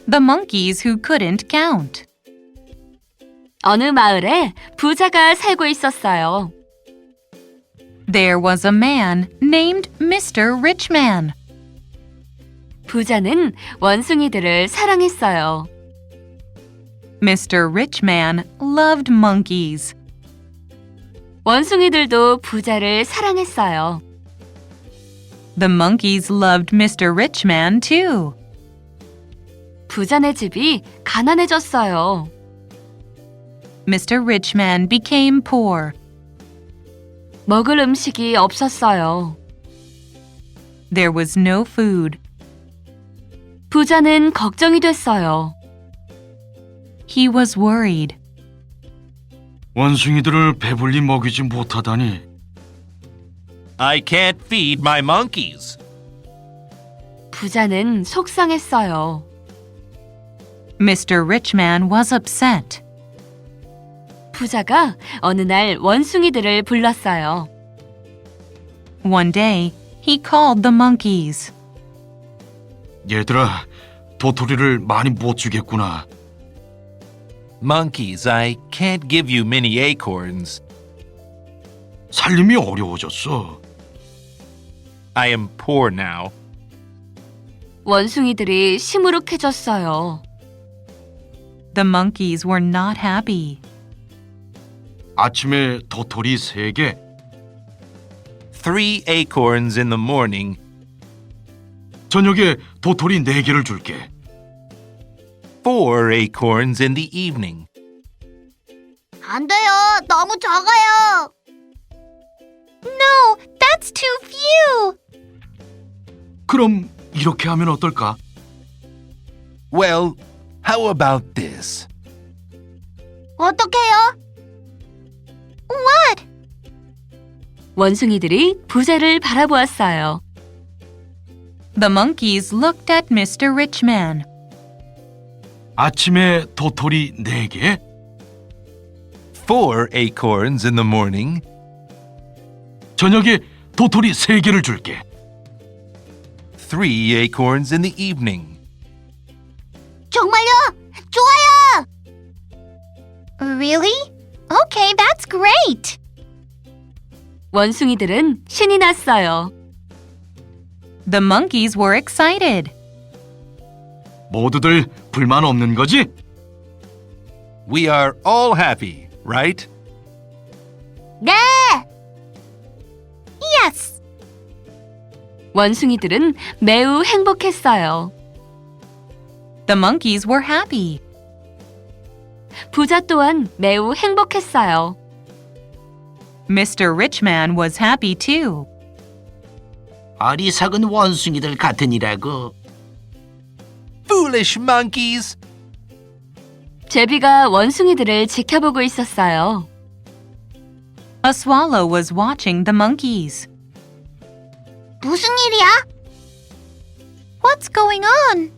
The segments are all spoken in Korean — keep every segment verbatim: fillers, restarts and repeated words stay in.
The monkeys who couldn't count. 어느 마을에 부자가 살고 있었어요. There was a man named Mister Richman. 부자는 원숭이들을 사랑했어요. Mister Richman loved monkeys. 원숭이들도 부자를 사랑했어요. The monkeys loved Mister Richman too. 부자네 집이 가난해졌어요. Mister Richman became poor. 먹을 음식이 없었어요. There was no food. 부자는 걱정이 됐어요. He was worried. 원숭이들을 배불리 먹이지 못하다니. I can't feed my monkeys. 부자는 속상했어요. Mister Richman was upset. 부자가 어느 날 원숭이들을 불렀어요. One day, he called the monkeys. 얘들아, 도토리를 많이 못 주겠구나. Monkeys, I can't give you many acorns. 살림이 어려워졌어. I am poor now. 원숭이들이 시무룩해졌어요. The monkeys were not happy. 아침에 도토리 세 개, Three acorns in the morning, 저녁에 도토리 네 개를 줄게. four acorns in the evening. 안 돼요. 너무 적어요. No, that's too few. 그럼 이렇게 하면 어떨까? Well, how about this? 어떡해요? What? 원숭이들이 부자를 바라보았어요. The monkeys looked at Mister Richman. 아침에 도토리 네 개, Four acorns in the morning, 저녁에 도토리 세 개를 줄게. three acorns in the evening. 정말요? 좋아요. Really? Okay, that's great. 원숭이들은 신이 났어요. The monkeys were excited. 모두들 불만 없는 거지? We are all happy, right? 네. Yes. 원숭이들은 매우 행복했어요. The monkeys were happy. 부자 또한 매우 행복했어요. Mister Richman was happy too. 어리석은 원숭이들 같으니라고. Foolish monkeys! 제비가 원숭이들을 지켜보고 있었어요. A swallow was watching the monkeys. 무슨 일이야? What's going on?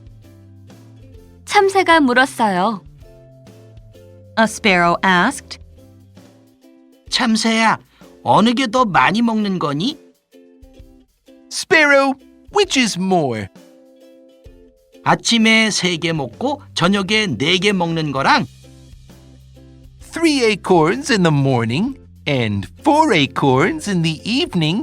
참새가 물었어요. A sparrow asked. 참새야, 어느 게 더 많이 먹는 거니? Sparrow, which is more? 아침에 세 개 먹고 저녁에 네 개 먹는 거랑 Three acorns in the morning and four acorns in the evening.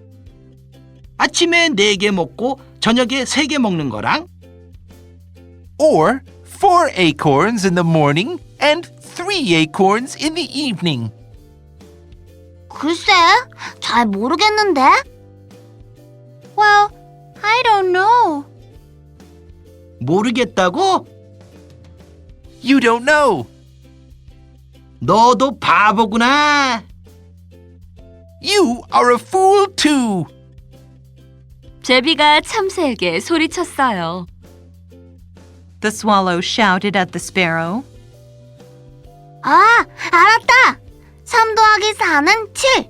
아침에 네 개 먹고 저녁에 세 개 먹는 거랑 Or four acorns in the morning and three acorns in the evening. 글쎄, 잘 모르겠는데. Well, I don't know. 모르겠다고? You don't know. 너도 바보구나. You are a fool too. 제비가 참새에게 소리쳤어요. The swallow shouted at the sparrow. 아, 알았다. 삼 더하기 사는 칠.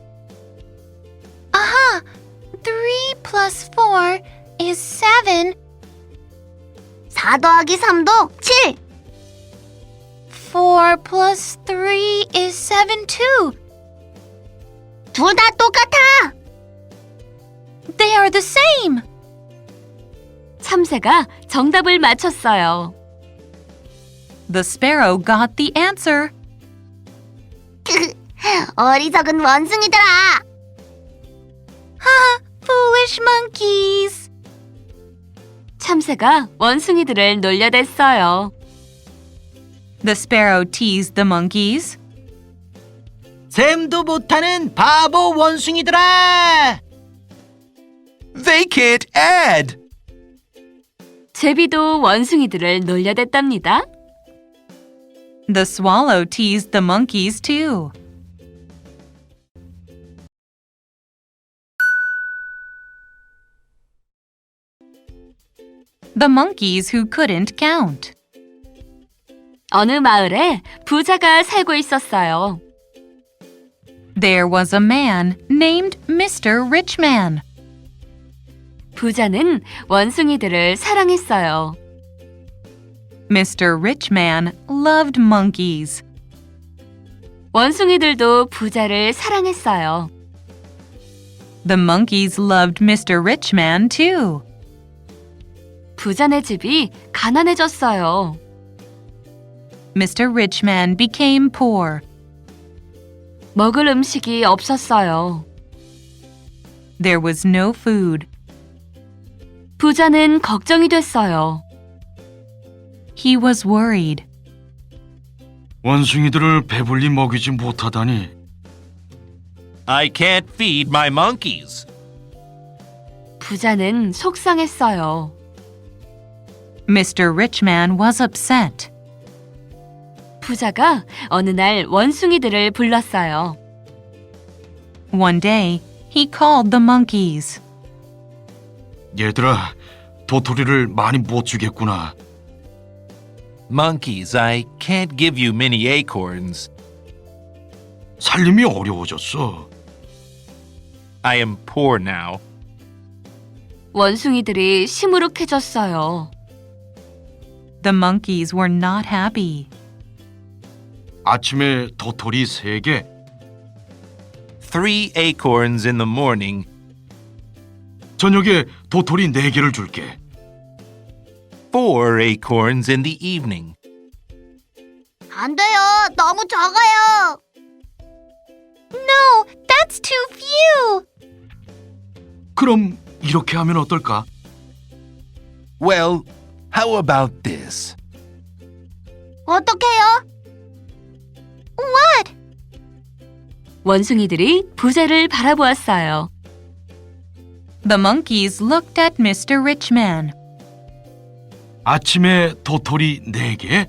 아하, three plus four is seven. 사 더하기 삼도 칠. four plus three is seven too. 둘 다 똑같아. They are the same. 참새가 정답을 맞췄어요. The sparrow got the answer. 어리석은 원숭이들아. 하, foolish monkeys. 참새가 원숭이들을 놀려댔어요. The sparrow teased the monkeys. 셈도 못하는 바보 원숭이들아. They can't add. 제비도 원숭이들을 놀려댔답니다. The swallow teased the monkeys too. The monkeys who couldn't count. 어느 마을에 부자가 살고 있었어요. There was a man named Mister Richman. 부자는 원숭이들을 사랑했어요. Mister Richman loved monkeys. 원숭이들도 부자를 사랑했어요. The monkeys loved Mister Richman too. 부자네 집이 가난해졌어요. Mister Richman became poor. 먹을 음식이 없었어요. There was no food. 부자는 걱정이 됐어요. He was worried. 원숭이들을 배불리 먹이지 못하다니. I can't feed my monkeys. 부자는 속상했어요. Mister Richman was upset. 부자가 어느 날 원숭이들을 불렀어요. One day, he called the monkeys. 얘들아, 도토리를 많이 못 주겠구나. Monkeys, I can't give you many acorns. 살림이 어려워졌어. I am poor now. 원숭이들이 시무룩해졌어요. The monkeys were not happy. 아침에 도토리 세 개, Three acorns in the morning, 저녁에 도토리 네 개를 줄게. four acorns in the evening. 안 돼요. 너무 적어요. No, that's too few. 그럼 이렇게 하면 어떨까? Well, how about this? 어떡해요? What? 원숭이들이 부자를 바라보았어요. The monkeys looked at Mister Richman. 아침에 도토리 네 개,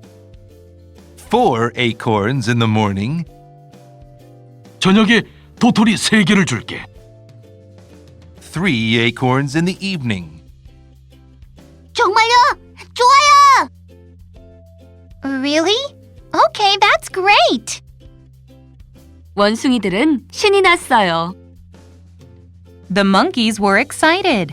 Four acorns in the morning, 저녁에 도토리 세 개를 줄게. three acorns in the evening. 정말요? 좋아요. Really? Okay, that's great. 원숭이들은 신이 났어요. The monkeys were excited.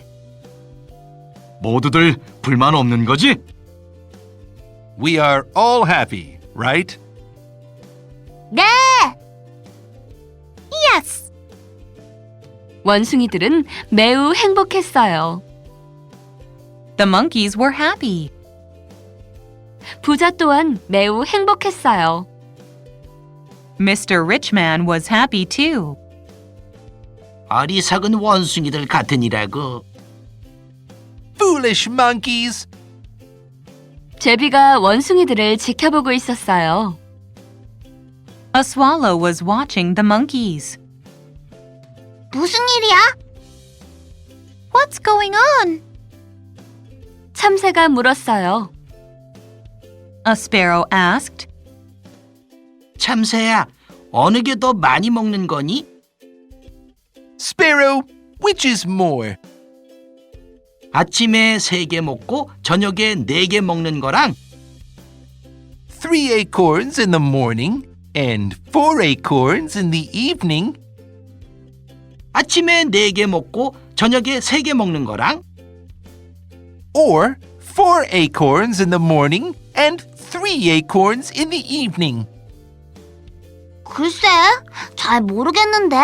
모두들 불만 없는 거지? We are all happy, right? 네. Yes. 원숭이들은 매우 행복했어요. The monkeys were happy. 부자 또한 매우 행복했어요. Mister Richman was happy too. 어리석은 원숭이들 같으니라고. Foolish monkeys! 제비가 원숭이들을 지켜보고 있었어요. A swallow was watching the monkeys. 무슨 일이야? What's going on? 참새가 물었어요. A sparrow asked. 참새야, 어느 게 더 많이 먹는 거니? Sparrow, which is more? 아침에 세 개 먹고 저녁에 네 개 먹는 거랑 Three acorns in the morning and four acorns in the evening. 아침에 네 개 먹고 저녁에 세 개 먹는 거랑 Or four acorns in the morning and three acorns in the evening. 글쎄, 잘 모르겠는데.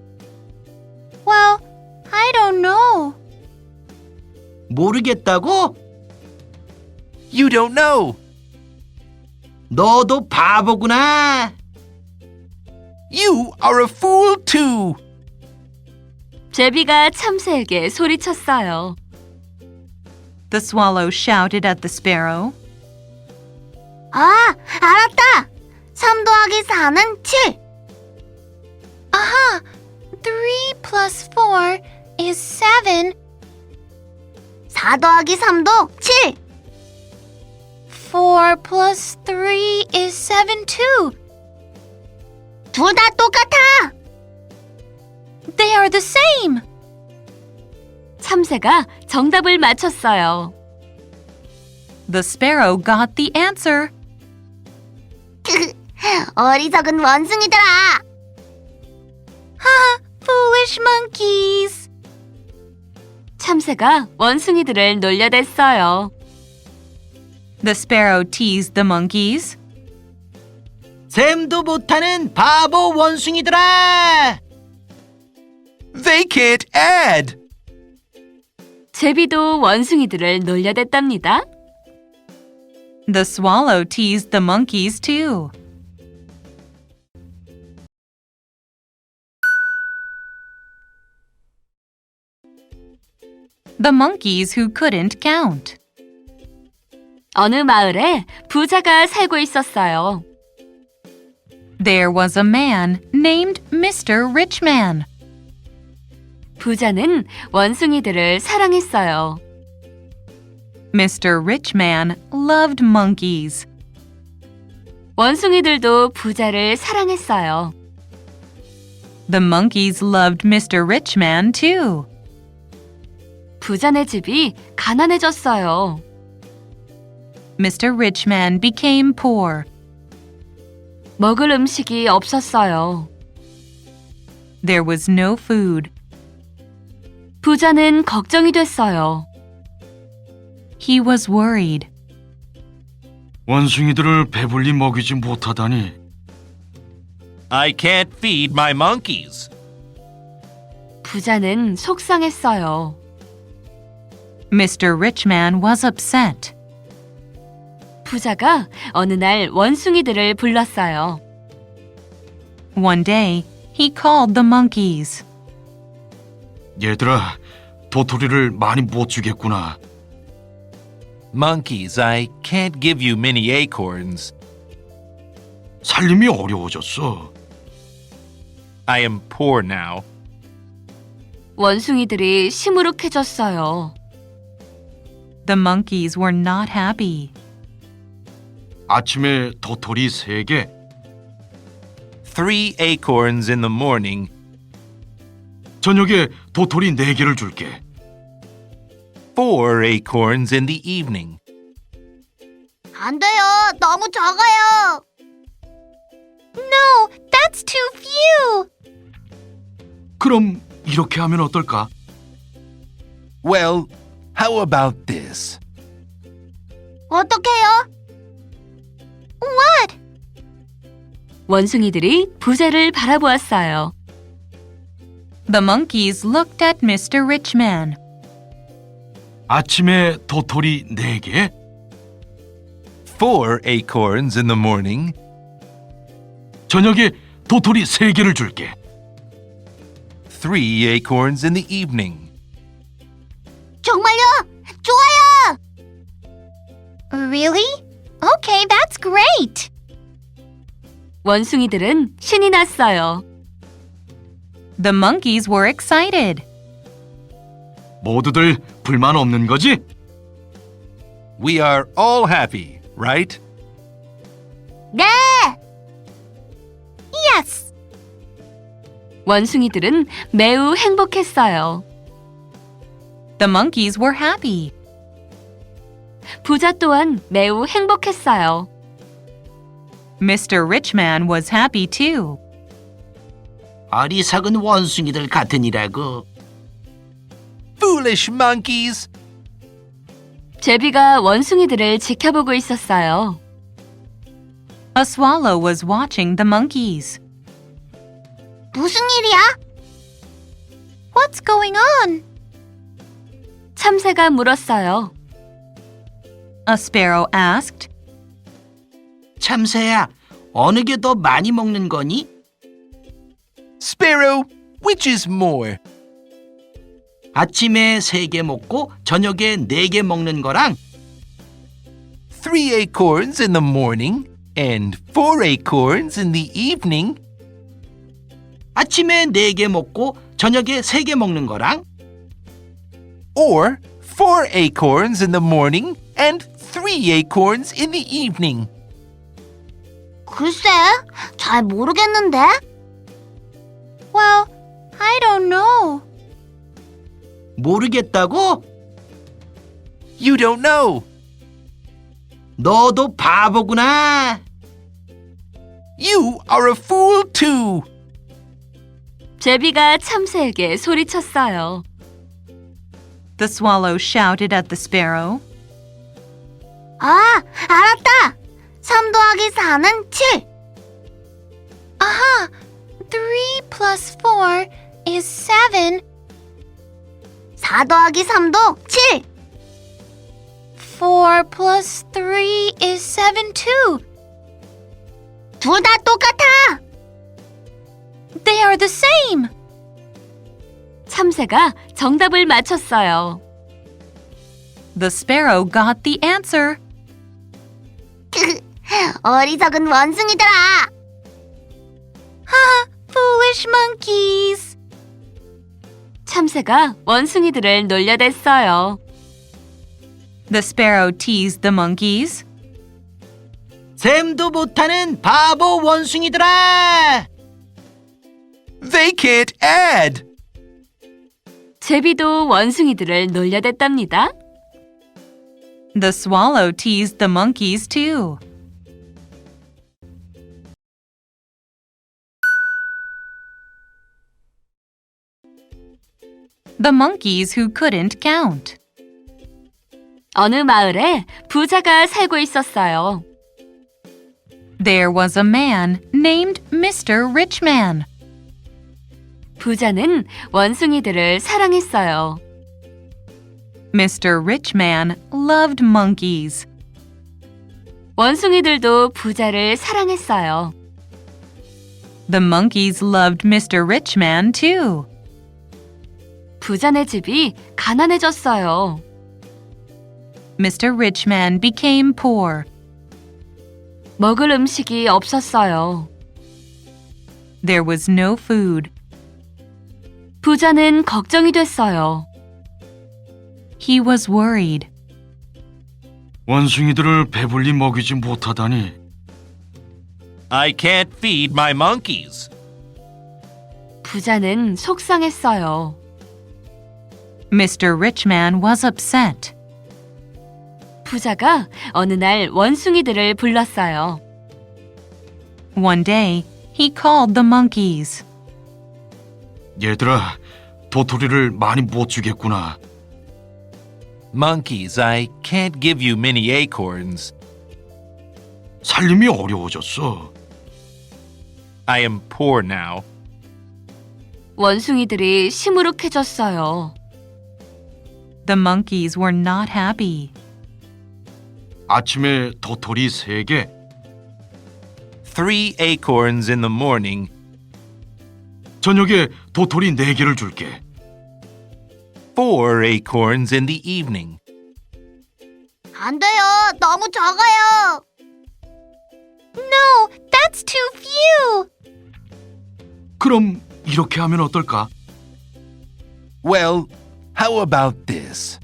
Well, I don't know. 모르겠다고? You don't know. 너도 바보구나. You are a fool too. 제비가 참새에게 소리쳤어요. The swallow shouted at the sparrow. 아, 알았다. 삼 더하기 사는 칠. 아하, three plus four is seven. 사 더하기 삼도 칠. four plus three is seven too. 둘 다 똑같아. They are the same. 참새가 정답을 맞췄어요. The sparrow got the answer. 어리석은 원숭이들아. 하, foolish monkeys. 참새가 원숭이들을 놀려댔어요. The sparrow teased the monkeys. 셈도 못하는 바보 원숭이들아. They can't add. 제비도 원숭이들을 놀려댔답니다. The swallow teased the monkeys too. The monkeys who couldn't count. 어느 마을에 부자가 살고 있었어요. There was a man named Mister Richman. 부자는 원숭이들을 사랑했어요. Mister Richman loved monkeys. 원숭이들도 부자를 사랑했어요. The monkeys loved Mister Richman too. 부자네 집이 가난해졌어요. Mister Richman became poor. 먹을 음식이 없었어요. There was no food. 부자는 걱정이 됐어요. He was worried. 원숭이들을 배불리 먹이지 못하다니. I can't feed my monkeys. 부자는 속상했어요. Mister Richman was upset. 부자가 어느 날 원숭이들을 불렀어요. One day, he called the monkeys. 얘들아, 도토리를 많이 못 주겠구나. Monkeys, I can't give you many acorns. 살림이 어려워졌어. I am poor now. 원숭이들이 시무룩해졌어요. The monkeys were not happy. 아침에 도토리 세 개, Three acorns in the morning, 저녁에 도토리 네 개를 줄게. four acorns in the evening. 안 돼요. 너무 적어요. No, that's too few. 그럼 이렇게 하면 어떨까? Well, how about this? 어떡해요? What? 원숭이들이 부자를 바라보았어요. The monkeys looked at Mister Richman. 아침에 도토리 네 개, Four acorns in the morning, 저녁에 도토리 세 개를 줄게. three acorns in the evening. 정말요? 좋아요. Really? Okay, that's great. 원숭이들은 신이 났어요. The monkeys were excited. 모두들 불만 없는 거지? We are all happy, right? 네. Yes. 원숭이들은 매우 행복했어요. The monkeys were happy. 부자 또한 매우 행복했어요. Mister Richman was happy too. 어리석은 원숭이들 같으니라고. Foolish monkeys! 제비가 원숭이들을 지켜보고 있었어요. A swallow was watching the monkeys. 무슨 일이야? What's going on? 참새가 물었어요. A sparrow asked. 참새야, 어느 게 더 많이 먹는 거니? Sparrow, which is more? 아침에 세 개 먹고 저녁에 네 개 먹는 거랑 Three acorns in the morning and four acorns in the evening. 아침에 네 개 먹고 저녁에 세 개 먹는 거랑 Or four acorns in the morning and three acorns in the evening. 글쎄, 잘 모르겠는데. Well, I don't know. 모르겠다고? You don't know. 너도 바보구나. You are a fool too. 제비가 참새에게 소리쳤어요. The swallow shouted at the sparrow. 아, 알았다. 삼 더하기 사는 칠. 아하, three plus four is seven. 사 더하기 삼도 칠. four plus three is seven too. 둘 다 똑같아. They are the same. 참새가 정답을 맞췄어요. The sparrow got the answer. 어리석은 원숭이들아. 하, foolish monkeys. 참새가 원숭이들을 놀려댔어요. The sparrow teased the monkeys. 셈도 못하는 바보 원숭이들아. They can't add. 제비도 원숭이들을 놀려댔답니다. The swallow teased the monkeys too. The monkeys who couldn't count. 어느 마을에 부자가 살고 있었어요. There was a man named Mister Richman. 부자는 원숭이들을 사랑했어요. Mister Richman loved monkeys. 원숭이들도 부자를 사랑했어요. The monkeys loved Mister Richman too. 부자네 집이 가난해졌어요. Mister Richman became poor. 먹을 음식이 없었어요. There was no food. 부자는 걱정이 됐어요. He was worried. 원숭이들을 배불리 먹이지 못하다니. I can't feed my monkeys. 부자는 속상했어요. Mister Richman was upset. 부자가 어느 날 원숭이들을 불렀어요. One day, he called the monkeys. 얘들아, 도토리를 많이 못 주겠구나. Monkeys, I can't give you many acorns. 살림이 어려워졌어. I am poor now. 원숭이들이 시무룩해졌어요. The monkeys were not happy. 아침에 도토리 세 개, Three acorns in the morning, 저녁에 도토리 네 개를 줄게. four acorns in the evening. 안 돼요. 너무 적어요. No, that's too few. 그럼 이렇게 하면 어떨까? Well, how about this?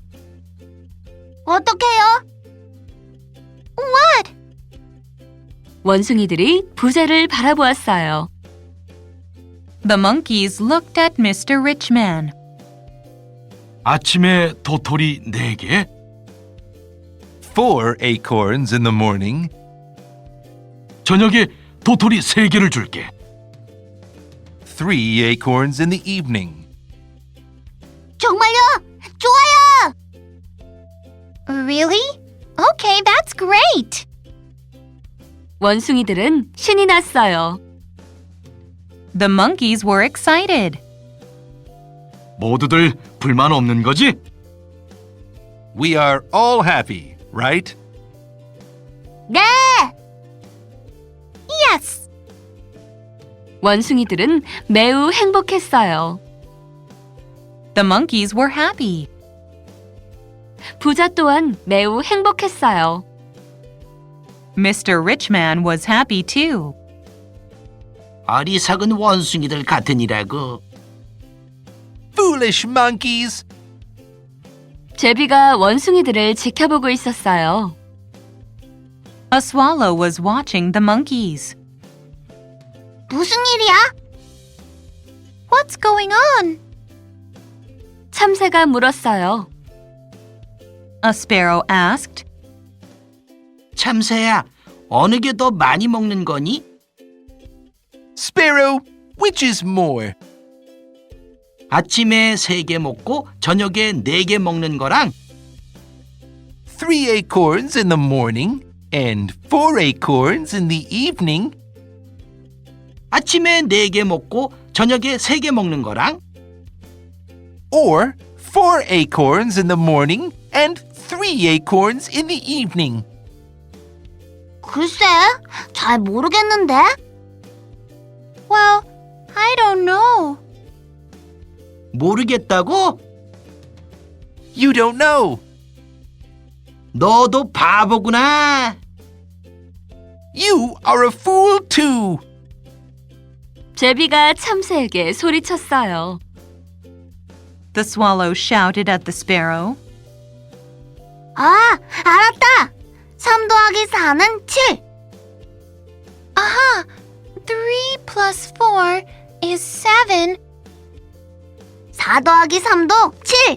어떡해요? What? 원숭이들이 부자를 바라보았어요. The monkeys looked at Mister Richman. 아침에 도토리 네 개, Four acorns in the morning, 저녁에 도토리 세 개를 줄게. three acorns in the evening. 정말요? 좋아요. Really? Okay, that's great. 원숭이들은 신이 났어요. The monkeys were excited. 모두들 불만 없는 거지? We are all happy, right? 네. 원숭이들은 매우 행복했어요. The monkeys were happy. 부자 또한 매우 행복했어요. Mister Richman was happy too. 어리석은 원숭이들 같으니라고. Foolish monkeys! 제비가 원숭이들을 지켜보고 있었어요. A swallow was watching the monkeys. 무슨 일이야? What's going on? 참새가 물었어요. A sparrow asked. 참새야, 어느 게 더 많이 먹는 거니? Sparrow, which is more? 아침에 세 개 먹고 저녁에 네 개 먹는 거랑 Three acorns in the morning and four acorns in the evening. 아침에 네 개 먹고 저녁에 세 개 먹는 거랑 Or four acorns in the morning and three acorns in the evening. 글쎄, 잘 모르겠는데. Well, I don't know. 모르겠다고? You don't know. 너도 바보구나. You are a fool too. 제비가 참새에게 소리쳤어요. The swallow shouted at the sparrow. 아, 알았다. 삼 더하기 사는 칠. 아하, three plus four is seven. 사 더하기 삼도 칠.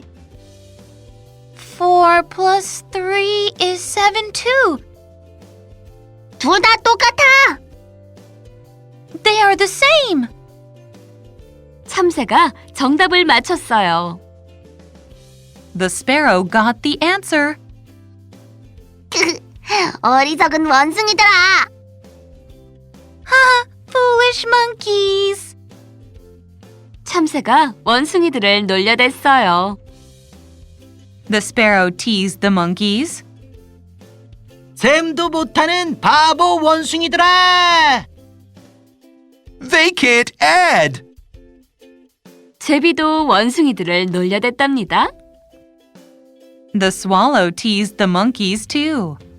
four plus three is seven too. 둘 다 똑같아. They are the same. 참새가 정답을 맞췄어요. The sparrow got the answer. 어리석은 원숭이들아. 하, foolish monkeys. 참새가 원숭이들을 놀려댔어요. The sparrow teased the monkeys. 셈도 못하는 바보 원숭이들아. They can't add. 제비도 원숭이들을 놀려댔답니다. The swallow teased the monkeys too.